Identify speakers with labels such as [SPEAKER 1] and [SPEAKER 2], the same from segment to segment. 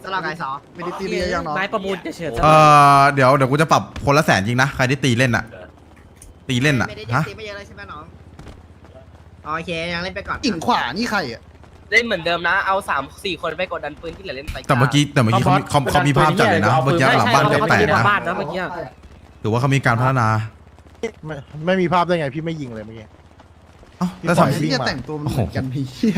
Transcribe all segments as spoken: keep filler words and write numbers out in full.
[SPEAKER 1] สลับไก่สอไม่ได้ตีเรียยังเนาะ
[SPEAKER 2] ไม้ประมูลจะเฉิด
[SPEAKER 3] เออเดี๋ยวเดี๋ยวกูจะปรับคนละแสนจริงนะใครที่ตีเล่นอะตีเล่นอะ
[SPEAKER 1] ไม่ได้
[SPEAKER 3] ฮะ
[SPEAKER 1] ตีไม่เยอะเลยใช่ไหมน้องโอเคยังเล่นไปก่อน
[SPEAKER 4] กิ่งขวานี่ใครอ่ะ
[SPEAKER 5] เล่นเหมือนเดิมนะเอาสามสี่คนไปกดดันปืนที่เหลือเล่นไป
[SPEAKER 3] แต่เมื่อกี้แต่เมื่อกี้เขามีเขาเขามีภาพจัดเลยนะเมื่อกี้หลังบ้านแตกๆนะ
[SPEAKER 2] บ้านนะเมื่อกี้
[SPEAKER 3] ถือว่าเขามีการพัฒนา
[SPEAKER 4] ไม่ไม่มีภาพได้ไงพี่ไม่ยิงเลยเมื่อกี้
[SPEAKER 3] เอ้า
[SPEAKER 4] พี่
[SPEAKER 3] แล้ว
[SPEAKER 4] ปล่อย
[SPEAKER 3] ทำ
[SPEAKER 4] วิ่ง
[SPEAKER 1] จะ
[SPEAKER 4] มา
[SPEAKER 1] แต่งตัวมันเหมือนกันพี่เฮีย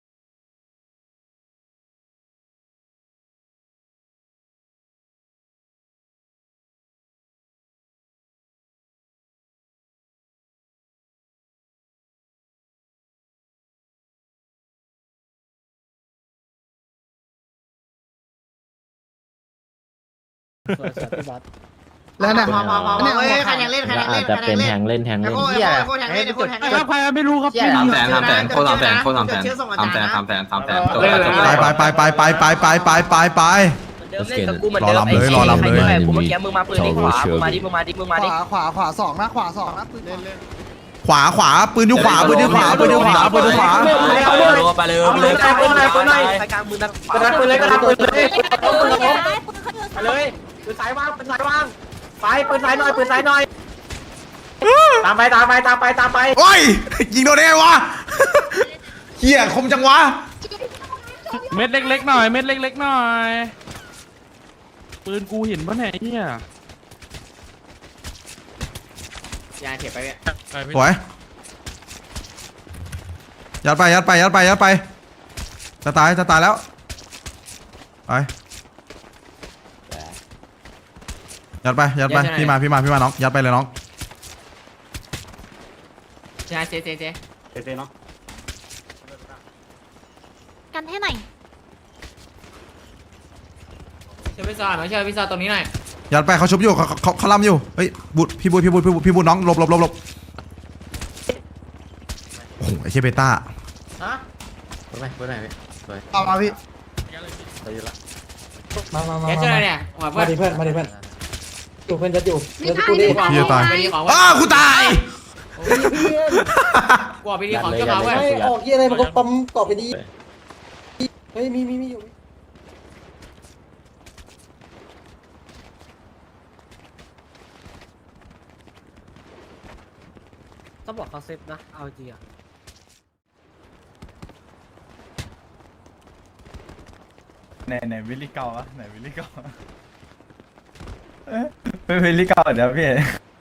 [SPEAKER 1] แล้วนะพอพอพอเนี่ยเฮ้ยใครยังเล่นใครยังเล่น
[SPEAKER 6] จะ
[SPEAKER 1] ใคร
[SPEAKER 6] เป็
[SPEAKER 1] ยั
[SPEAKER 6] น
[SPEAKER 1] งเล่
[SPEAKER 6] แท
[SPEAKER 1] น
[SPEAKER 6] งเล่นแทง
[SPEAKER 1] ไอ้
[SPEAKER 6] เล่น
[SPEAKER 1] โก้ไอ้โก้แทงเล่นไอ้โก้แทงเล่น
[SPEAKER 2] ใครไม่รู้ครับ
[SPEAKER 1] สามแสนสามแสนโคตรสามแสนโคตรสามแสนสามแสนสามแสนสามแสน
[SPEAKER 3] ไปไปไปไปไปไปไปไปไปไป
[SPEAKER 5] เดิมเล่นกับกูเหมือนเดิม
[SPEAKER 3] รอลำเลยรอลำเลย
[SPEAKER 5] ใครที่แบบกูเมื่อกี้มึงมาปืนที่ขวามึงมาดิมึงมาดิมึงมา
[SPEAKER 1] ข
[SPEAKER 5] ดิ
[SPEAKER 1] วาขวาขวาสองนะขวาสองนะปืนเล่นเล่น
[SPEAKER 3] ขวาขวาปืนอยู่ขวาปืนอยู่ขวาปืนอยู่ขวาปืนอยู่ขวา
[SPEAKER 5] ไปเลยไปเลยไปเลยไปเลยไปกลางมือนัก
[SPEAKER 2] กระดานปืนเลยกระดานปืนเลย
[SPEAKER 7] ไปเลย
[SPEAKER 2] ปืนสายวางปืนสายวางไปปืนสายหน่อยปืนสายหน่อยตามไปตามไปตามไปตามไป
[SPEAKER 3] โอ้ยยิงโดนได้ไงวะเฮียคมจังวะ
[SPEAKER 8] เม็ดเล็กๆหน่อยเม็ดเล็กๆหน่อยปืนกูเห็นปะเนี่ยเฮีย
[SPEAKER 2] ยาเก็บไปเนี่ย
[SPEAKER 3] สวยยัดไปยัดไปยัดไปยัดไปจะตายจะตายแล้วไปยัดไปยัดไปพี่มาพี่มาพี่มาน้องยัดไปเลยน้อง
[SPEAKER 2] ใช่เจ๊เจ๊เจ๊
[SPEAKER 4] เต้เนาะ
[SPEAKER 7] กันให้หน่อย
[SPEAKER 2] เชื่อพิซซ่าหน่อยเชื่อพิซซ่าตรงนี้หน่อย
[SPEAKER 3] ยัดไปเขาชุบอยู่เขาเขาเขาล้ำอยู่เฮ้ยบุตรพี่บุตรพี่บุตรพี่บุตรพี่บุตรน้องหลบหลบหลบหลบโอ้โหไอ้เชเบต้า
[SPEAKER 2] ฮะ
[SPEAKER 6] ปืนไหนปืนไหนพี่สวย
[SPEAKER 1] เอามาพี่
[SPEAKER 6] สวยอยู่ละ
[SPEAKER 2] มามามาแกเชื่ออะไรเนี่ยหัวเพื่อน
[SPEAKER 4] เพื่อนมาดิเพื่อนอยู่เพื่อนจะอยู่
[SPEAKER 7] มีท่าให้
[SPEAKER 3] พี่จะตาย
[SPEAKER 2] ไปดีของ
[SPEAKER 3] อ้ากูตาย
[SPEAKER 2] กว่าไปดีของเจ้ามาเว้ย
[SPEAKER 6] ออกยี่อะไรมันก็ปั๊มกรอบไปดี
[SPEAKER 4] เฮ้ยมีมีมีอยู่
[SPEAKER 2] ต้องบอกเขาเซฟนะเอาจริงอ่ะ
[SPEAKER 9] ไหนไหนวิลลี่เก่าอะไหนวิลลี่เก่าเป็นวิลลี่เก่าเดี๋ยวพี่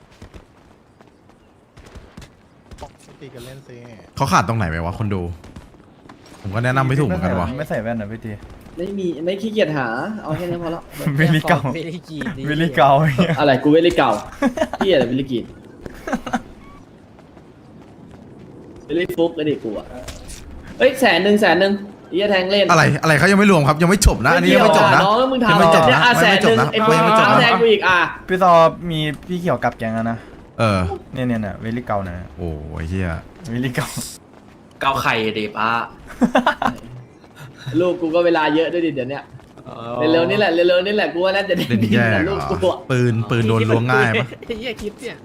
[SPEAKER 4] ตีกันเล่นซิ
[SPEAKER 3] เขาขาดตรงไหนไปวะคนดูผมก็แนะนำไม่ถูกเหมือนกันวะ
[SPEAKER 9] ไม่ใส่แว่นนะพี่ที
[SPEAKER 10] ไม่มีไม่ขี้เกียจหาเอาแค่นี้พอแล้ว
[SPEAKER 9] วิลลี่เก่า
[SPEAKER 2] วิลลี่กีดี
[SPEAKER 9] วิลลี่เก่าเนี่ย
[SPEAKER 10] อะไรกูเวลิเก่าพี่อะไรเวลิกีนเวลิฟุกไอ้เด็กกูอ่ะเอ้ยแสนหนึ่งแสนหนึ่งอีแทงเล่น
[SPEAKER 3] อะไรอะไรเขายังไม่รวมครับยังไม่จบนะอันนี้ยังไม่จบนะ
[SPEAKER 10] น้องแล้วมึง
[SPEAKER 3] ยัง
[SPEAKER 10] ทำ
[SPEAKER 3] ไม่จบ
[SPEAKER 10] เนี่ย
[SPEAKER 3] นะ
[SPEAKER 10] อ่ะแส
[SPEAKER 3] ไม่
[SPEAKER 10] น
[SPEAKER 3] จ
[SPEAKER 10] ห
[SPEAKER 3] บ
[SPEAKER 10] นึ่ง
[SPEAKER 3] นะ
[SPEAKER 10] ไอ้พวก
[SPEAKER 3] ยังไม่จบ
[SPEAKER 10] แทง
[SPEAKER 3] นะ
[SPEAKER 10] กูอีกอ่ะ
[SPEAKER 9] พี่ซอมีพี่เขียวกับแกงอะนะ
[SPEAKER 3] เออ
[SPEAKER 9] เนี่ยเนี่ยเนี่ยวิลลี่เก่านะ
[SPEAKER 3] โอ้ยเฮีย
[SPEAKER 9] วิลลี่เก่า
[SPEAKER 5] เกาไข่ดิป้า
[SPEAKER 10] ลูกกูก็เวลาเยอะด้วยดิเดี๋ยวเนี้ยเร็วๆนี่แหละเร็วๆนี่แหละกูว่าน่าจะได้
[SPEAKER 3] เล่น
[SPEAKER 10] ดี
[SPEAKER 3] แย่
[SPEAKER 10] นะ
[SPEAKER 3] เหร
[SPEAKER 10] ลูก
[SPEAKER 3] อ
[SPEAKER 10] กูอ่ะ
[SPEAKER 3] ปืนปืนโดนล้วงง่ายปะ
[SPEAKER 2] เฮียคิดเนี่ย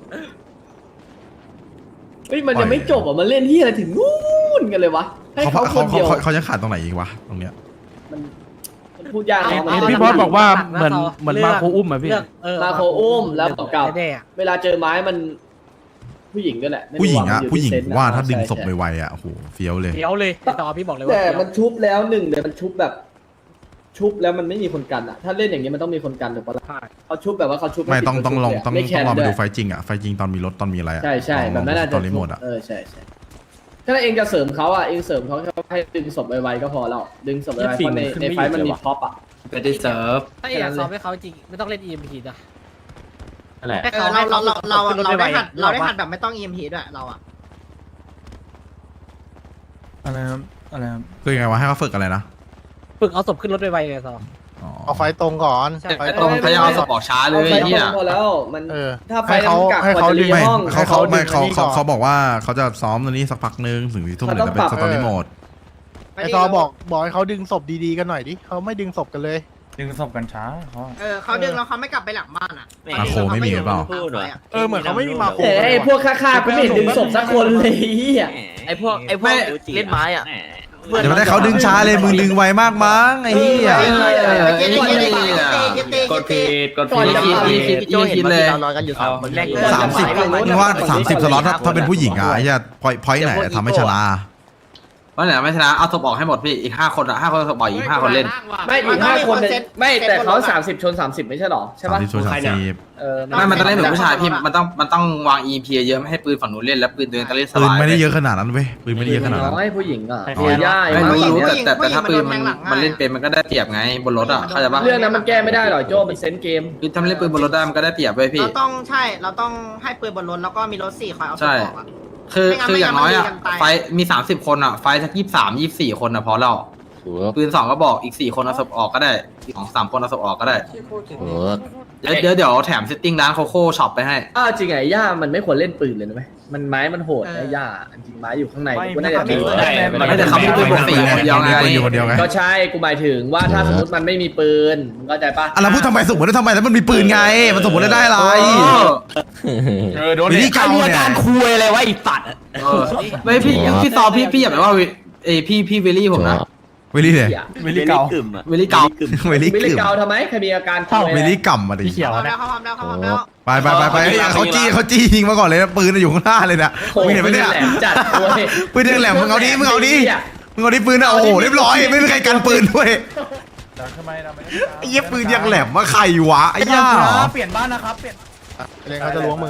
[SPEAKER 10] เฮ้ยมันยังไม่จบอ่ะมันเล่นที่อะไรถึงนู่นกันเลยวะให้
[SPEAKER 3] เขา
[SPEAKER 10] เขาค
[SPEAKER 3] เขา
[SPEAKER 10] นเดียว
[SPEAKER 3] เขาเขาจะขาดตรงไหนอีกวะตรงเนี้ย
[SPEAKER 10] มันมันพูดยากนะ
[SPEAKER 8] เห็น
[SPEAKER 10] มัน
[SPEAKER 8] เห็นพี่บอสบอกว่าเหมือนเหมือนมาโคอุ้มอะพี่
[SPEAKER 10] มาโคอุ้มแล้วกับ
[SPEAKER 2] แน่
[SPEAKER 10] เวลาเจอไม้มันผู้หญิงด้วยแหละไม่
[SPEAKER 3] ผู้หญิง
[SPEAKER 10] รู้
[SPEAKER 3] อะ
[SPEAKER 10] มันยู่
[SPEAKER 3] ผู้หญิง
[SPEAKER 10] ที่เซนส์
[SPEAKER 3] ว่าถ้า
[SPEAKER 10] ใช่
[SPEAKER 3] ดึงศพ
[SPEAKER 10] ใช่
[SPEAKER 3] ไวๆอะโอ้โหเฟี้ยวเลย
[SPEAKER 2] เดี๋ยวเลยต่อพี่บอกเลยว่า
[SPEAKER 10] แต่มันชุบแล้วหนึ่งเดี๋ยวมันชุบแบบ ชุบแล้วมันไม่มีคนกันอะถ้าเล่นอย่างนี้มันต้องมีคนกันถูกปะล่ะเขาชุบแบบว่าเขาชุบ
[SPEAKER 3] ไม่ต้องต้องลองต้อง
[SPEAKER 10] ไม่
[SPEAKER 3] ต้
[SPEAKER 10] แค
[SPEAKER 3] อง
[SPEAKER 10] ร์
[SPEAKER 3] ลองไป
[SPEAKER 10] ด้
[SPEAKER 3] ดู
[SPEAKER 10] วย
[SPEAKER 3] ไฟจริงอะไฟจริงตอนมีรถตอนมีอะไรอะ
[SPEAKER 10] ใช่ใช่
[SPEAKER 3] ลอง
[SPEAKER 10] แบบนั้นอาจ
[SPEAKER 3] ต
[SPEAKER 10] จะ
[SPEAKER 3] อนรีโมทอะ
[SPEAKER 10] เออใช่ใช่ถ้าเองจะเสริมเขาอะเองเสริมเขาให้ดึงศพไวๆก็พอแล้วดึงศพไวๆเพราะในในไฟมันมีพ็อปอะ
[SPEAKER 5] ไม่ได้เซิร์ฟ
[SPEAKER 2] ถ้าอยากซ้อมให้เขาจริงไม่ต้องเล่น อี เอ็ม พี นะ
[SPEAKER 6] นั่นแหละ
[SPEAKER 2] ให้
[SPEAKER 1] เอ
[SPEAKER 2] เขา
[SPEAKER 1] อเราเราเราเราเราได้หัดเราได้หัด
[SPEAKER 2] ด
[SPEAKER 1] แบบไม่ต้อง อี เอ็ม พี ด้วยเราอะ
[SPEAKER 9] อะไรครับอะไรครับ
[SPEAKER 3] คือยังไงวะให้เขาฝึกอะไรนะ
[SPEAKER 2] ฝึกเอาศพขึ้นรถไวๆไงซอ
[SPEAKER 3] อ๋อ
[SPEAKER 4] เอาไฟตรงก่อนไฟ
[SPEAKER 5] ตรงพยายามเอาสปอร์ตช้าเลย
[SPEAKER 10] เอาไฟ
[SPEAKER 5] เฮีย
[SPEAKER 10] ตรงพอแล้วมัน
[SPEAKER 4] เออ
[SPEAKER 10] ถ้าไฟ
[SPEAKER 4] ให้เขา
[SPEAKER 10] มันกัก
[SPEAKER 4] ให้
[SPEAKER 10] กว่า
[SPEAKER 4] เขา
[SPEAKER 10] จะ
[SPEAKER 4] ดึ
[SPEAKER 10] รี
[SPEAKER 4] ง
[SPEAKER 3] ไม่
[SPEAKER 10] ห้อง
[SPEAKER 3] เขาเขาไม่เขา
[SPEAKER 4] ดึงอันนี้ก่
[SPEAKER 3] เขา
[SPEAKER 4] อน
[SPEAKER 3] เขาบอกว่าเขาจะซ้อมตอนนี้สักพักนึงถึงที่ทุ่ม
[SPEAKER 10] เขา
[SPEAKER 3] เดี๋ยว
[SPEAKER 10] ต้อง
[SPEAKER 3] จะเป็น
[SPEAKER 10] ปรับ
[SPEAKER 3] สตอรี่โหมด
[SPEAKER 4] ไอซอบอกบอกให้เขาดึงศพดีๆกันหน่อยดิเขาไม่ดึงศพกันเลย
[SPEAKER 9] ดึงศพกันช้าเขา
[SPEAKER 1] เออเขาดึงแล้วเขาไม่กลับไปหลังบ้านอะ
[SPEAKER 3] มาโคไม่มีหรือเปล่า
[SPEAKER 4] เออเหมือนเขาไม่มีมาโค
[SPEAKER 10] แต่ไอ้พวกฆ่าๆกูไม่เห็นดึงศพสักคนเลยเฮีย
[SPEAKER 5] ไอพวกไอพวกเล่นไม้อ่ะ
[SPEAKER 3] เดี๋ยวไม่ได้เขาดึงช้าเลยมึงดึงไวมากมั้งไอ้เหี้ย
[SPEAKER 1] เออเออเออไอ้นี่กดผิดกดผิดพี่คิดพี่คิดเลย
[SPEAKER 3] สามสิบมึงว่าสามสิบสล็อตถ้าถ้าเป็นผู้หญิงอ่ะไอ้เหี้ยพอยพอยไหนทำให้ชนะ
[SPEAKER 1] ว่าไหนไม่ชนะเอาศพออกให้หมดพี่อีกห้าคนอะห้าคนศพออกอีกห้าคนเล่น
[SPEAKER 10] ไม่อีกห้าคนเนี่ยไม่แต่เขาสามสิบชนสามสิบไม่ใช่หรอใช่
[SPEAKER 3] สาม
[SPEAKER 10] ปะ
[SPEAKER 3] สิบชนสามสิบ
[SPEAKER 10] เออ
[SPEAKER 1] ไม่มันต้องเล่นเหมือนผู้ชายพี่มันต้องมันต้องวาง อี พี เยอะไม่ให้ปืนฝั่งนู้นเล่นแล้วปืนตัวเองต้องเล่นส
[SPEAKER 3] ปืน
[SPEAKER 1] บาย
[SPEAKER 3] ไม่ได้เยอะขนาดนั้นเว้ยปืนไม่ได้เยอะขนาดนั้น
[SPEAKER 10] น้อยผู้หญิงอ่ะ
[SPEAKER 3] น้อย
[SPEAKER 10] ย่า
[SPEAKER 1] ไม่
[SPEAKER 10] มาก
[SPEAKER 1] รู้รู้แต่แต่แต่ถ้าปืนมันมันเล่นเป็นมันก็ได้เปรียบไงบนรถอะเข้าใจปะ
[SPEAKER 10] เรื่องนั้นมันแก้ไม่ได้หรอกโจ้มันเซนเกม
[SPEAKER 1] คือถ้ามันเล่นปืนบนรถได้มันก็ได้เปรียบเว้ยพี่
[SPEAKER 2] เราต้องใช่เราต้องให้ปืนบนรถแล้วก็มีรถสี่คอยเอาศพออกอ่ะ
[SPEAKER 1] คือ
[SPEAKER 2] ไม่งั้น
[SPEAKER 1] คืออย่างน้อยอะ
[SPEAKER 2] ไม่งั้นมัน
[SPEAKER 1] ไฟมีสามสิบคนอะไฟสักยี่สิบสามยี่สิบสี่คนอะพอแล้วปืนสองก็บอกอีกสี่คนเอาศพออกก็ได้อีกสองสามคนเอาศพออกก็ได้เดี๋ยวเดี๋ยวเดี๋ยวแถมเซตติ้งร้านโคโค่ช็อปไปให้
[SPEAKER 10] อ้าวจริงไงย่ามันไม่ควรเล่นปืนเลยนะไหมมันไม้มันโหดนะย่าจริงไม้อยู่ข้างในกูน่าจะถือ
[SPEAKER 1] ไม่แต่เขามีปืนปกติคนเดียวไง
[SPEAKER 3] ปืนอยู่คนเดียวไง
[SPEAKER 10] ก็ใช่กูหมายถึงว่าถ้าสมมติมันไม่มีปืนมึงเข้าใจปะ
[SPEAKER 3] อ่ะแล้วพูดทำไมสมมติว่าทำไมแล้วมันมีปืนไง มันสมมติได้อะไร
[SPEAKER 9] เออโดน
[SPEAKER 3] วิธีการเนี่ย
[SPEAKER 5] คุยอะไรวะไอ้สัตว์
[SPEAKER 1] เออไม่พี่พี่ซอพี่พี่อย่าไปว่าเอยพี่พี่เวลี่ผมนะ
[SPEAKER 3] วิลลี่เนี่ย
[SPEAKER 9] วิลลี่เก่า
[SPEAKER 1] เวลี่เก่า
[SPEAKER 3] วิลลี่
[SPEAKER 10] วิล
[SPEAKER 3] กึ่
[SPEAKER 10] ลี่
[SPEAKER 3] ม
[SPEAKER 10] เกาทำไมใครมีอาการ
[SPEAKER 3] วิลลี่กำมาดิ
[SPEAKER 2] เขาพร้อมแล้วเขาพร้อมแล้วเขาพร้อมแล้ว
[SPEAKER 3] ไปไปไปไปเขาจี้เขาจี้ยิงมาก่อนเลยนะปืนอยู่ข้างหน้าเลยนะ
[SPEAKER 10] โอ้
[SPEAKER 3] มึงเห็นไหมเนี่ย
[SPEAKER 10] แหลมจัดด้วย
[SPEAKER 3] ปืนยังแหลมมึงเอาดิมึงเอาดิมึงเอาดิปืนอ่ะโอ้โหเรียบร้อยไม่มีใครกันปืนด้วย
[SPEAKER 9] ทำไมทำไม
[SPEAKER 3] ไอ้เหี้ยปืนยังแหลมว่าใครวะไอ้ย่าเหรอ
[SPEAKER 9] เปลี่ยนบ้านนะครับเปลี่ยน
[SPEAKER 4] เล่นเขาจะล้วงมือ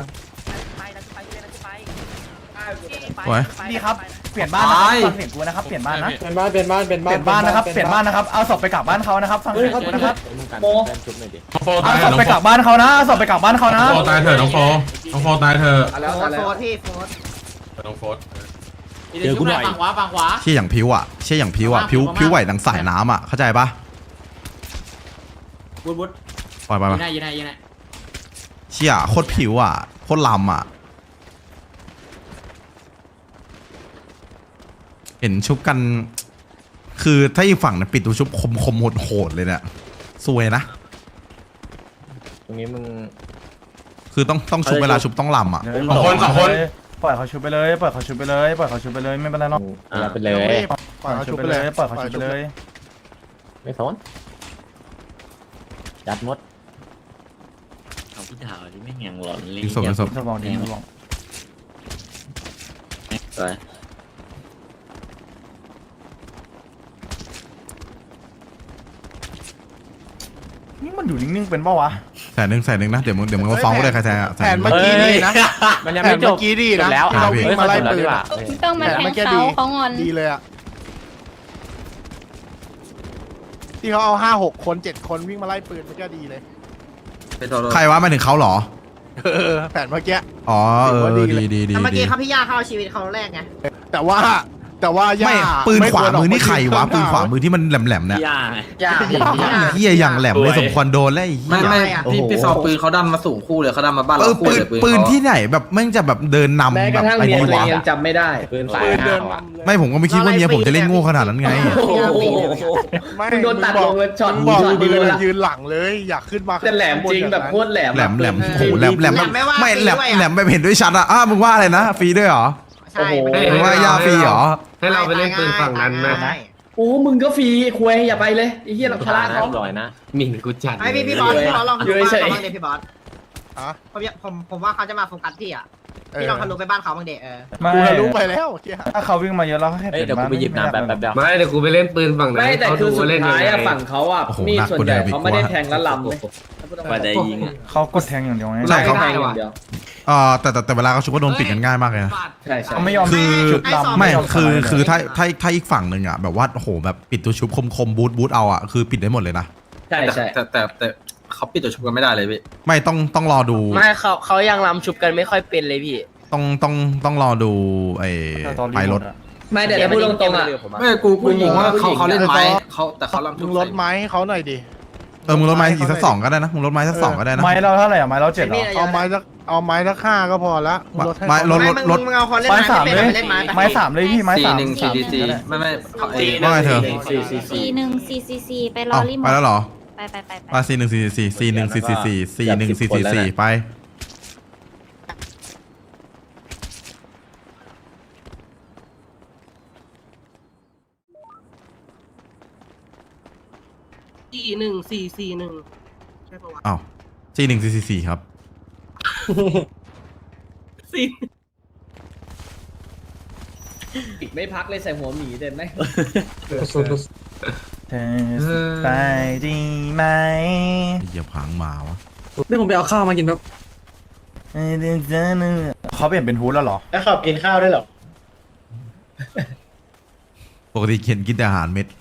[SPEAKER 3] โอ้ย
[SPEAKER 9] นี่ครับเปลี่ยนบ้านนะครับฟังเสียงกูนะครับเปลี่ยนบ้านนะ
[SPEAKER 6] เป็นบ้านเป็นบ้านเป็น
[SPEAKER 9] เปลี่ยนบ้านนะครับเปลี่ยนบ้านนะครับเอาศพไปกลับบ้านเขานะครับฟังเสียงกูนะครับ
[SPEAKER 10] โม
[SPEAKER 9] เอาศพไปกลับบ้านเขานะเอาศพไปกลับบ้านเขานะ
[SPEAKER 8] ตายเถอะน้องโฟน้องโฟตายเถอะ
[SPEAKER 10] แล้ว
[SPEAKER 2] โฟ
[SPEAKER 10] แล้ว
[SPEAKER 2] ร์พี่โฟร์
[SPEAKER 8] น้องโฟ
[SPEAKER 5] เดี๋ยวกูหน่อยฝั่งขวาฝั่งขวา
[SPEAKER 3] เชี่ยอย่างพิวอ่ะเชี่ยอย่างพิวอ่ะพิวพิวไหวดังสายน้ำอ่ะเข้าใจปะ
[SPEAKER 5] วุ้นวุ้น
[SPEAKER 3] ปล่อยไป
[SPEAKER 5] ยิ
[SPEAKER 3] ปะ
[SPEAKER 5] งได้ยิงได้ยิงได้
[SPEAKER 3] เชี่ยโคตรผิวอ่ะโคตรลำอ่ะเห็นชุบกัน คือถ้าอีกฝั่งเนี่ยปิดตัวชุบคมคมโหดโหดเลยเนี่ยซวยนะ
[SPEAKER 6] ตรงนี้มึง
[SPEAKER 3] คือต้องต้องชุบเวลาชุบต้องลำอ่ะ
[SPEAKER 9] สองคนสองคนปล่อยเขาชุบไปเลยปล่อยเขาชุบไปเลยปล่อยเขาชุบไปเลยไม่เป็นไรหรอก
[SPEAKER 6] รับไปเลย
[SPEAKER 4] ปล่อยเขา
[SPEAKER 9] ชุ
[SPEAKER 4] ชุ
[SPEAKER 9] บบ ไป
[SPEAKER 4] ไป
[SPEAKER 9] เล
[SPEAKER 4] เลย ย
[SPEAKER 9] ปล่อยเขาชุบไปเลย
[SPEAKER 6] ไม่สนจัดมด
[SPEAKER 5] เอาพี่ดาวนี่ไม่ยังหลอนเลย
[SPEAKER 3] ยิงศพยิงศพ
[SPEAKER 9] สมองดีสมอง
[SPEAKER 5] ไป
[SPEAKER 9] นี่มันอยู่นิ่งๆเป็นเปล่าวะ
[SPEAKER 3] แสนหนึ่งแสนหนึ่งนะเดี๋ยวมึงเดี๋ยวมึงมาฟ้องกูได้ใครแทงอ่ะ
[SPEAKER 4] แผนเมื่อกี้ดีนะ
[SPEAKER 6] มันยัง
[SPEAKER 4] แผ
[SPEAKER 6] ไม่
[SPEAKER 4] น
[SPEAKER 6] จ
[SPEAKER 4] เมื่
[SPEAKER 6] บ
[SPEAKER 4] อกี้ดีนะ
[SPEAKER 6] แล้ว
[SPEAKER 4] ที่เราวิ่งมาไล่ปืนอะ
[SPEAKER 7] ต้องมาแทงเขาเขางอน
[SPEAKER 4] ดีเลยอ่ะที่เขาเอาห้าหกคนเจ็ดคนวิ่งมาไล่ปืนมันก็ดีเลย
[SPEAKER 1] เป็นโทร
[SPEAKER 3] ใครวะมาถึงเขาเหรอ
[SPEAKER 4] เออแผนเมื่อกี้
[SPEAKER 3] อ๋อเออดีดีดี
[SPEAKER 2] แต่เมื่อ
[SPEAKER 3] ดี
[SPEAKER 2] กี้เขาพี่ย่าเขาเอาชีวิตเขาแรกไง
[SPEAKER 4] แต่ว่าแต่ว่าย่า
[SPEAKER 3] ไม่ปืน
[SPEAKER 4] ไม่
[SPEAKER 3] ขวา
[SPEAKER 4] ควรออก
[SPEAKER 3] มือนี่ใครวะ
[SPEAKER 4] มา
[SPEAKER 3] ปืนขวามือที่มันแหลมแหลมๆเนี่ย
[SPEAKER 5] ย่า
[SPEAKER 2] ย่า
[SPEAKER 3] เฮียอย่างแหลมเลยสมควรโดนแล้วไอ้เหี้
[SPEAKER 1] ไม่
[SPEAKER 3] ย
[SPEAKER 1] ไม่พี่พี่ซอปืนเขาดันมาสูงคู่เลยเขาดันมาบ้าน
[SPEAKER 3] เอ
[SPEAKER 1] เรา
[SPEAKER 3] อ
[SPEAKER 1] คู่
[SPEAKER 3] ปืน
[SPEAKER 1] เลยปืน
[SPEAKER 3] ปืน
[SPEAKER 1] เขา
[SPEAKER 3] ที่ไหนแบบแม่งจะแบบเดินนำ
[SPEAKER 10] แม้ก
[SPEAKER 3] แบ
[SPEAKER 10] ระ
[SPEAKER 3] บ
[SPEAKER 10] ทั่ง
[SPEAKER 3] ไอ้
[SPEAKER 10] เมีย
[SPEAKER 3] นี่
[SPEAKER 10] ตัวเอ
[SPEAKER 3] วะ
[SPEAKER 10] งยังจำไม่ได้
[SPEAKER 6] ปืนสาย
[SPEAKER 4] ปืนเดิน
[SPEAKER 6] ห้าวอะ
[SPEAKER 4] นำเลย
[SPEAKER 3] ไม่ผมก็ไม่คิดว่าเมียผมจะเล่นโง่ขนาดนั้นไง
[SPEAKER 10] โอ้โห
[SPEAKER 4] ไม่
[SPEAKER 10] มึงโดนตัดลงเลยช็อต
[SPEAKER 4] มึงบอก
[SPEAKER 10] ช็อต
[SPEAKER 4] ปื
[SPEAKER 10] เดีย
[SPEAKER 4] น
[SPEAKER 10] วละ
[SPEAKER 4] ยืนหลังเลย อยากขึ้นมา
[SPEAKER 10] แต่แหลมจริงแบบโคตรแหลม
[SPEAKER 3] แหลมแหลม
[SPEAKER 10] อะ
[SPEAKER 3] โอ้โหแหลมแหลมแบบไม่แหลมแหลมแบบเห็นด้วยชัดอะอ้าวมึงว่าอะไรนะฟรีด้วยเหรอ
[SPEAKER 2] ใช่
[SPEAKER 3] มึงว่ายาฟรีเหรอ
[SPEAKER 2] ให้เราไปเล่นปืนฝั่งนั้นนะ
[SPEAKER 10] โอ้มึงก็ฟรีคุยอย่าไปเลยไอ้เหี้ยเราพลาดเขา
[SPEAKER 6] ลอยนะ
[SPEAKER 5] หมิ่นกูจัด
[SPEAKER 2] ไอพี่พี่บอสพี่บอสลองทะลุบ้าน
[SPEAKER 10] เฉย
[SPEAKER 2] เขาบ้างเดพี่บอส
[SPEAKER 4] ฮะ
[SPEAKER 2] ผมอยากผมผมว่าเขาจะมาโฟกัสพี่อ่ะพี่ลองทะลุไปบ้านเขาบ้างเดเออ
[SPEAKER 9] ไม่
[SPEAKER 4] กูทะลุไปแล้วเมื่อกี้
[SPEAKER 9] ถ้าเขาวิ่งมาเยอะเราก็แค่
[SPEAKER 6] เฮ้ยเดี๋ยวกูไปหยิบน้ำแบบแบบเดียว
[SPEAKER 5] ไม่เดี๋ยวกูไปเล่นปืนฝั่งไหน
[SPEAKER 10] ไม่แต่คือสุดท้ายอะฝั่งเขาอะ
[SPEAKER 3] โอ้โห
[SPEAKER 10] มีด
[SPEAKER 3] หนัก
[SPEAKER 10] ส่วน
[SPEAKER 3] กว่า
[SPEAKER 10] ใหญ่
[SPEAKER 3] เดิมอีก
[SPEAKER 10] เขาไม่ได้
[SPEAKER 3] ว่า
[SPEAKER 10] แทงแล้วลำเลย
[SPEAKER 5] กว่าจะยิงอ่ะ
[SPEAKER 9] เขากดแทงอย่างเดียวไง
[SPEAKER 3] ใช่เขา
[SPEAKER 10] แทงอย่างเดียว
[SPEAKER 3] เออแต่แต่แต่เวลาเขาชุบก็โดนปิดกันง่ายมากเลยนะ
[SPEAKER 10] ใช่ใช่
[SPEAKER 9] เขาไม่ยอม
[SPEAKER 3] คือ
[SPEAKER 9] ชุดลำ
[SPEAKER 3] ไม่
[SPEAKER 9] ยอ
[SPEAKER 3] คือ
[SPEAKER 9] สไลด์
[SPEAKER 3] คือ
[SPEAKER 9] เลย
[SPEAKER 3] ถ้าถ้าถ้าอีกฝั่งหนึ่งอะแบบว่าโอ้โหแบบปิดตัวชุบคมคมบูทบูทเอาอะคือปิดได้หมดเลยนะ
[SPEAKER 10] ใช่ใช่
[SPEAKER 1] แต่แต่แต่เขาปิดตัวชุบกันไม่ได้เลยพี่
[SPEAKER 3] ไม่ต้องต้องรอดู
[SPEAKER 5] ไม่เขาเขายังลำชุบกันไม่ค่อยเป็นเลยพี่
[SPEAKER 3] ต้องต้องต้องรอดูไอ้
[SPEAKER 9] ตอน
[SPEAKER 3] ไปรถ
[SPEAKER 9] หมดอะ
[SPEAKER 10] ไม่แต่ถ้าพูดตรงๆอะ
[SPEAKER 1] ไม่กูกูงงว่าเขาเขาเล่นไม้เขาแต่เขาลำ
[SPEAKER 4] มึงลดไม้ให้เขาหน่อยดิ
[SPEAKER 3] เออมึงลดไม้อีกสักสองก็ได้นะมึงลดไม้สักสองก็ได้นะ
[SPEAKER 9] ไม้เราเท่าไหร่อะไม้เราเจ็ดเหรอ
[SPEAKER 4] เอาไม้สักเอาไม้สักห้าก็พอละมึงลดให้
[SPEAKER 3] ไม้
[SPEAKER 4] เขา
[SPEAKER 3] ลด
[SPEAKER 2] ไม่มึงมึงเอาคนเล่น
[SPEAKER 9] ไม้
[SPEAKER 2] ไม้
[SPEAKER 9] สาม
[SPEAKER 2] ไม่
[SPEAKER 9] เล
[SPEAKER 2] เป็น
[SPEAKER 9] ย
[SPEAKER 2] ไปเล่นไม้ไป
[SPEAKER 9] ไม้สามเลยพี่ไม้
[SPEAKER 1] ซี
[SPEAKER 9] สาม
[SPEAKER 1] หนึ่งซีดีซีไม่ไม่เขาเอง
[SPEAKER 3] ว่าไงเธอ
[SPEAKER 10] สี่สี่สี่
[SPEAKER 7] สี่หนึ่งสี่สี่สี่ไปรอ
[SPEAKER 3] เอ้า
[SPEAKER 7] รีโม
[SPEAKER 3] ไป
[SPEAKER 7] ท
[SPEAKER 3] แล้วเหรอ
[SPEAKER 7] ไปไปไปไป
[SPEAKER 3] มาซีหนึ่งสี่สี่สี่หนึ่งสี่สี่สี่สี่หนึ่งสี่สี่สี่ไป
[SPEAKER 5] ที่หนึ่งสี่สี่หนึ่งใช่ปะวะ
[SPEAKER 3] อ้าวจีหนึ่งสี่สี่สี่ครับ
[SPEAKER 5] สี่
[SPEAKER 10] อีกไม่พักเลยใส่หัวหมีเด่นไหม
[SPEAKER 9] เธอสบายดีไหม
[SPEAKER 3] เหยียบหางหมาวะ
[SPEAKER 6] นี่ผมไปเอาข้าวมากินแบบ
[SPEAKER 9] เขาเปลี่ยนเป็นฮูดแล้วเหรอ
[SPEAKER 2] แล้วขอบกินข้าวได้หรอ
[SPEAKER 3] ปกติเขียนกินแต่อาหารเม็ด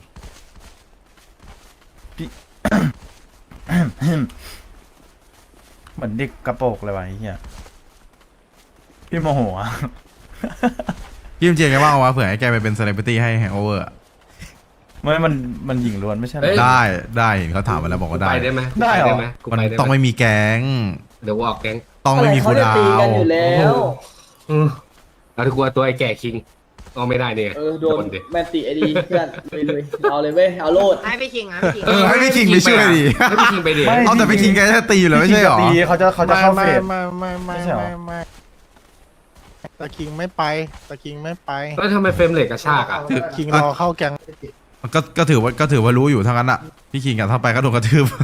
[SPEAKER 9] เหมือนเด็กกระโปรงเลยวะไอ้เหี้ยพี่โมโหอะ
[SPEAKER 3] พี่เจมส์แกว่างวะเผื่อให้แกไปเป็นเซเลบริตี้ให้แฮงโอเวอร์
[SPEAKER 9] ไม่มันมันหญิงล้วนไม่ใช่เหรอ
[SPEAKER 3] ได้ได้เห็นเขาถามมาแล้วบอกว่าได้
[SPEAKER 1] ไปได้ไหม
[SPEAKER 9] ได้เหรอ
[SPEAKER 3] มันต้องไม่มีแก๊ง
[SPEAKER 1] เดี๋ยวกูออกแก๊ง
[SPEAKER 3] ต้องไม่มีคูลดาว
[SPEAKER 10] กันอยู่แล้ว
[SPEAKER 1] แล้วกูตัวไอ้แก่คิงเอาไม่ได้เนี่ย
[SPEAKER 10] เออโดนแมนติไอดีเพื่อนเลยเลยเอาเลยเว้ยเอาโลด
[SPEAKER 2] ให้พี่คิงนะพี่คิง
[SPEAKER 3] เออให้พี่คิงไปช่วยดิ
[SPEAKER 1] ให้พี่คิงไปดิ
[SPEAKER 9] ไม่
[SPEAKER 3] เอาแต่พี่คิงแกจะตีอยู่แล้วไม่ใช่หรอ
[SPEAKER 9] ตีเขาจะเขาจะเข้าเฟส
[SPEAKER 4] ไม่ไม่ไม่
[SPEAKER 9] ไม่ใช่เหรอ
[SPEAKER 4] ไม่ไม่ตะคิงไม่ไปตะคิงไม่ไป
[SPEAKER 1] แล้วทำไมเฟรมเหล็กกระชากอ่ะ
[SPEAKER 3] คือ
[SPEAKER 4] คิงรอเข้าแกง
[SPEAKER 3] ก็ก็ถือว่าก็ถือว่ารู้อยู่ทั้งนั้นอ่ะพี่คิงกับถ้าไปก็โดนกระทืบ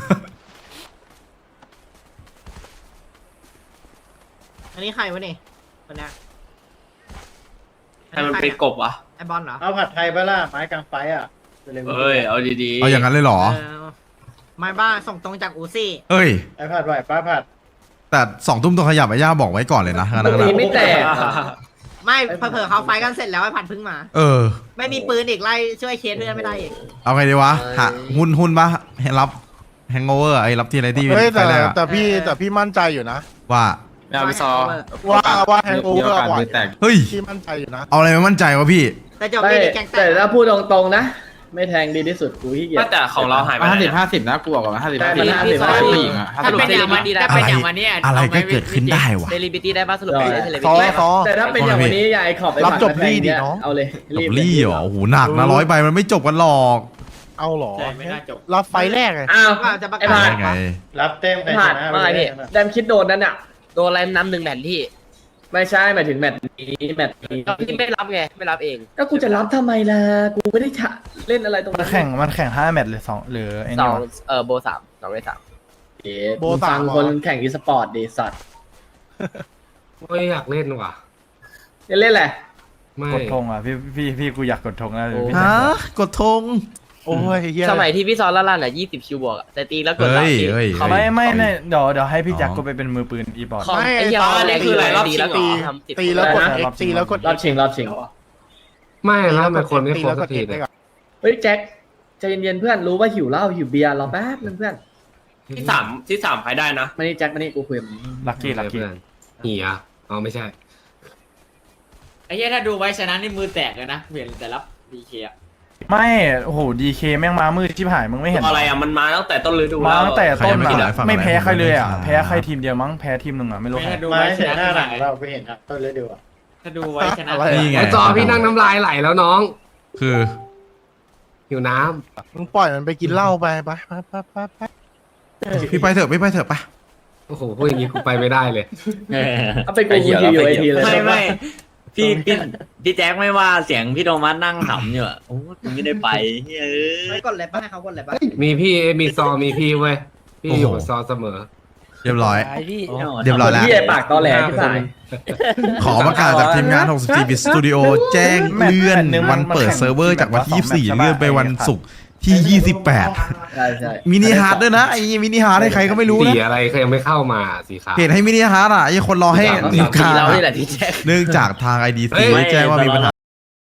[SPEAKER 2] อันนี้ใครวะนี่คนเนี้ย
[SPEAKER 5] ใครมันเป็นกบวะ
[SPEAKER 2] ไอบอลเหรอ
[SPEAKER 4] เอาผัดไทยไปล่ะไม้กลางไฟอ่ะ
[SPEAKER 5] เอ้ยเอาดี
[SPEAKER 3] เอาอย่างนั้นเลยเหรอ
[SPEAKER 2] เออไม่บ้าส่งตรงจากอูซี่
[SPEAKER 3] เอ้ย
[SPEAKER 4] ไอผัดไหวป้าผัด
[SPEAKER 3] แต่สองทุ่มต้องขยับไอ้ย่าบอกไว้ก่อนเลยนะงั้น
[SPEAKER 10] ตรง
[SPEAKER 3] นะ
[SPEAKER 10] นี้ไม่แตก
[SPEAKER 2] ไม่เผลอๆเขาไฟกันเสร็จแล้วไอ้ผัดเพึ่งมา
[SPEAKER 3] เออ
[SPEAKER 2] ไม่มีปืนอีกไล่ช่วยเคสเพื่อนไม่ได้อีก
[SPEAKER 3] เอาไงดีวะหาหุ้นหุ้นปะให้รับแฮงโอเวอร์ไอ้รับที่อะไรที่
[SPEAKER 4] เฮ้ย
[SPEAKER 3] ไป
[SPEAKER 4] แต่
[SPEAKER 3] แรกอะ
[SPEAKER 4] แต่พี่แต่พี่มั่นใจอยู่นะ
[SPEAKER 3] ว่า
[SPEAKER 5] ๆเอาไปซอ
[SPEAKER 4] ว่าว่าแฮงโอเวอร์ไหว
[SPEAKER 3] เฮ้ย
[SPEAKER 4] พี่มั่นใจอยู่นะ
[SPEAKER 3] เอาอะไรมามั่นใจวะพี่
[SPEAKER 2] แต่จบ
[SPEAKER 10] ไม่
[SPEAKER 2] ไม่ได้แกงแต
[SPEAKER 10] แต่
[SPEAKER 2] ก
[SPEAKER 10] ถ้าพูดตรงๆนะ ไม่แทงดีที่สุดกูขี้เกียจ
[SPEAKER 5] แต่ของเราหายไป
[SPEAKER 1] ห้า
[SPEAKER 5] ไหน
[SPEAKER 1] สิบห้าสิบนะกูบอกก่อนห้าสิบ
[SPEAKER 10] ได้
[SPEAKER 1] ห้าสิบ
[SPEAKER 10] มันห้าสิบ
[SPEAKER 1] ผู้หญิงอ่ะ
[SPEAKER 2] ถ้าเป็นอย่างวันนี้ได้
[SPEAKER 3] อะไร
[SPEAKER 2] เป็นอย่างวันนี้
[SPEAKER 3] อะไรก็เกิดขึ้นได้วะ
[SPEAKER 2] เซเลบริตี้ได้ป่ะสรุปเป็นเซเลบริ
[SPEAKER 4] ซอ
[SPEAKER 2] ตี้
[SPEAKER 4] ซอ
[SPEAKER 10] แต่ถ้าเป็นอย่างวันนี้อย่าไอ้ขอบไป
[SPEAKER 4] รับ
[SPEAKER 10] ผัด
[SPEAKER 4] จบ
[SPEAKER 10] มาแทง
[SPEAKER 4] ลี่ดิ
[SPEAKER 10] เนี่ย
[SPEAKER 4] น้อง
[SPEAKER 10] เอาเลย
[SPEAKER 3] จบลี่เหรอโอ้โหหนักนะร้อยใบมันไม่จบกันหรอก
[SPEAKER 4] เอาเหรอ
[SPEAKER 5] ไม่น่าจบ
[SPEAKER 4] รับไฟแรกไง
[SPEAKER 10] อ้าว
[SPEAKER 2] จะประ
[SPEAKER 10] ไอ้
[SPEAKER 2] กา
[SPEAKER 10] ผั
[SPEAKER 2] ศ
[SPEAKER 10] ด
[SPEAKER 3] ได้ไง
[SPEAKER 4] รับเต็มใคร
[SPEAKER 10] ผัด
[SPEAKER 4] ชนะ
[SPEAKER 10] ว่าไงพี่แดมคิดโดนนั่นอ่ะ
[SPEAKER 2] โดนอะไรน้ำหนึ่งแผ่นที่
[SPEAKER 10] ไม่ใช่หมายถึงแมตช์นี้แมตช์นี้
[SPEAKER 2] ที่ไม่รับไงไม่รับเอง
[SPEAKER 10] ก็กูจะรับทำไมล่ะกูไม่ได้จะเล่นอะไรตรง
[SPEAKER 9] มัน
[SPEAKER 10] นั้น
[SPEAKER 9] แข่งมันแข่งห้าแมตช์หรือสองหรือไอ้
[SPEAKER 2] ส
[SPEAKER 9] นี่
[SPEAKER 2] อง
[SPEAKER 9] วะ
[SPEAKER 2] เออโบสามสองในสาม
[SPEAKER 10] เอ๊ะมึงฟังคนแข่งอีสปอร์ตดีสัตว์
[SPEAKER 1] ไม่อยากเล่นว่ะ
[SPEAKER 10] จะเล่นแหละ
[SPEAKER 1] ไม่
[SPEAKER 9] กดธงอ่ะพี่พี่พี่กูอยากกดธงนะ
[SPEAKER 10] โอ้
[SPEAKER 9] พี่
[SPEAKER 3] ฮะกดธง
[SPEAKER 4] โอ้ยเฮีย
[SPEAKER 2] สมัยที่พี่ซอนล่าล่าน่ะยี่สิบคิวบวกแต่ตีแล้วกด
[SPEAKER 3] เฮ้
[SPEAKER 2] รับ
[SPEAKER 3] ย
[SPEAKER 2] ตี
[SPEAKER 3] เฮ้ย
[SPEAKER 2] เขา
[SPEAKER 9] ไม่ไม่เนี่ยเดี๋ยวเดี๋ยวให้พี่
[SPEAKER 3] อ๋อ
[SPEAKER 9] แจ็คกูไปเป็นมือปืนอีบอร์ด
[SPEAKER 2] คอมไอ้เหี้ยอันนี้คืออะไรรอบตีแล้วตีทำติด
[SPEAKER 4] ตีแล้วกด
[SPEAKER 9] นะ
[SPEAKER 4] X ตีแล้วกด
[SPEAKER 10] รอบชิงรอบชิง
[SPEAKER 1] ไม่แล้วทำไมคนไม่
[SPEAKER 4] ตี
[SPEAKER 1] ครบ
[SPEAKER 4] แล้ว
[SPEAKER 1] สั
[SPEAKER 4] ก
[SPEAKER 1] ก
[SPEAKER 4] ด
[SPEAKER 1] ที
[SPEAKER 4] X
[SPEAKER 1] เลย
[SPEAKER 4] ได้ก่อน
[SPEAKER 10] เฮ้ยแจ็คใจเย็นๆเพื่อนรู้ว่าหิวเหล้าหิวเบียร์รอแป๊บนึงเพื่อน
[SPEAKER 5] ที่สามที่สามใครได้นะ
[SPEAKER 10] มานี่แจ็คมานี่กูคุยกับมึง
[SPEAKER 9] ลักกี้ลักกี้
[SPEAKER 1] เพื่อนเหียอ๋อไม่ใช่
[SPEAKER 2] ไอ้เหี้ยถ้าดูไว้ชนะนี่มือแตกเลยนะเห็นแต่รับดีเคอะ
[SPEAKER 9] ไม่โอ้โหดีเคแม่งมามืดชิบหายมึงไม่เห็นเห
[SPEAKER 5] อะไรอ่ะมันมาตั้งแต่ต้นฤดู
[SPEAKER 9] มาตั้งแต่ต้น
[SPEAKER 3] ใครยังไม่
[SPEAKER 9] อะ
[SPEAKER 3] ได้ฟัง
[SPEAKER 9] ไม่แพ้
[SPEAKER 3] อะไร
[SPEAKER 9] ใครเลยอ่ะ
[SPEAKER 3] ผมไม่ได้
[SPEAKER 9] แพ้ใครทีมเดียวมั้งแพ้ทีมหนึ่งอ่ะไม่รู้ใคร
[SPEAKER 2] ถ้าดูไว้ชนะหลังเรา
[SPEAKER 4] ไปเห็นครับต้นฤดู
[SPEAKER 2] ถ้าดูไว้ชนะ
[SPEAKER 4] อะไร
[SPEAKER 3] นี่ไง
[SPEAKER 1] ไอจอพี่นั่งน้ำลายไหลแล้วน้อง
[SPEAKER 3] คือ
[SPEAKER 1] หิวน้
[SPEAKER 4] มึงปล่อยมันไปกินเหล้าไปไปไปไปไปไป
[SPEAKER 3] พี่ไปเถอะพี่ไปเถอะไป
[SPEAKER 1] ำโอ้โหพวกอย่างนี้กูไปไม่ได้เลย
[SPEAKER 10] เอาไปกูกูคิวอยู่ไอทีเลย
[SPEAKER 6] ไม่ไม่พี่พี่พี่แจ็คไม่ว่าเสียงพี่โทมัสนั่งขำอยู่อ่ะโอ้กูไม่ได้ไปเฮ้ย
[SPEAKER 2] ไม่กดเลยป่ะให้เขากดเลยป่ะ
[SPEAKER 1] มีพี่มีซอมีพี่เว้ยพี่อยู่กับซอเสมอ
[SPEAKER 3] เรียบร้อย
[SPEAKER 6] พี่
[SPEAKER 3] เรียบร้อยแล้ว
[SPEAKER 10] พี่ไอ้ปากตอแหลที่สาย
[SPEAKER 3] ขอประกาศจากทีมงาน หกสิบสี่ บิต Studio แจ้งเลื่อนวันเปิดเซิร์ฟเวอร์จากวันที่ยี่สิบสี่เลื่อนไปวันศุกร์ที่ยี่สิบแปด
[SPEAKER 10] ใช่ใช่
[SPEAKER 3] มินิฮาร์ดด้วยนะไอ้มินิฮาร์ดให้ใครก็ไม่รู้
[SPEAKER 1] สี
[SPEAKER 3] นะ
[SPEAKER 1] อะไรเขายังไม่เข้ามาสีขาว
[SPEAKER 3] เหตุให้มินิฮาร์ดอ่ะไอ้คนรอให้
[SPEAKER 1] สีขาว
[SPEAKER 3] นิวคา
[SPEAKER 6] เรานี่แหละที่แจ็ค
[SPEAKER 3] เนื่องจากทาง ไอ ดี
[SPEAKER 1] เฮ้
[SPEAKER 3] ซี
[SPEAKER 1] ย
[SPEAKER 3] แจ้งว่ามีปัญหา